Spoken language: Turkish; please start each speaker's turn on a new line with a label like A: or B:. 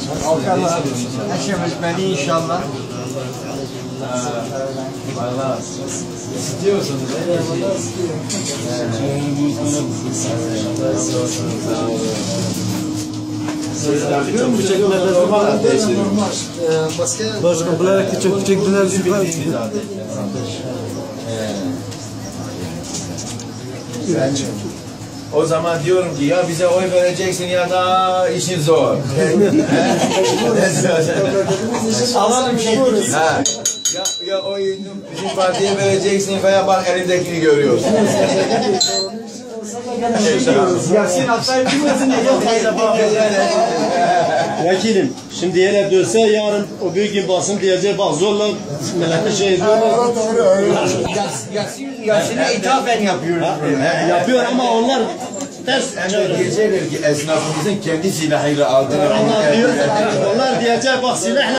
A: Allah eşimiz beni inşallah.
B: Valla istiyorsunuz çok küçük nefes var.
C: Başka bunlar küçük küçük
B: O zaman diyorum ki ya bize oy vereceksin ya da işin zor.
A: Alalım şimdi.
B: Ha. Ya oyunu bizim partiye vereceksin veya bak elindekini görüyorsun.
A: Yasin Aksay bilmesin
C: Vekilim, şimdi hele dönse yarın o büyük gün basın diyecek bak zorla millete şey ediyorlar.
A: Yasin'e ithafen yapıyor.
C: Yapıyor ama onlar ters.
B: Diyecekler ki esnafımızın kendi silahıyla aldığını.
C: Onlar diyecek bak silahla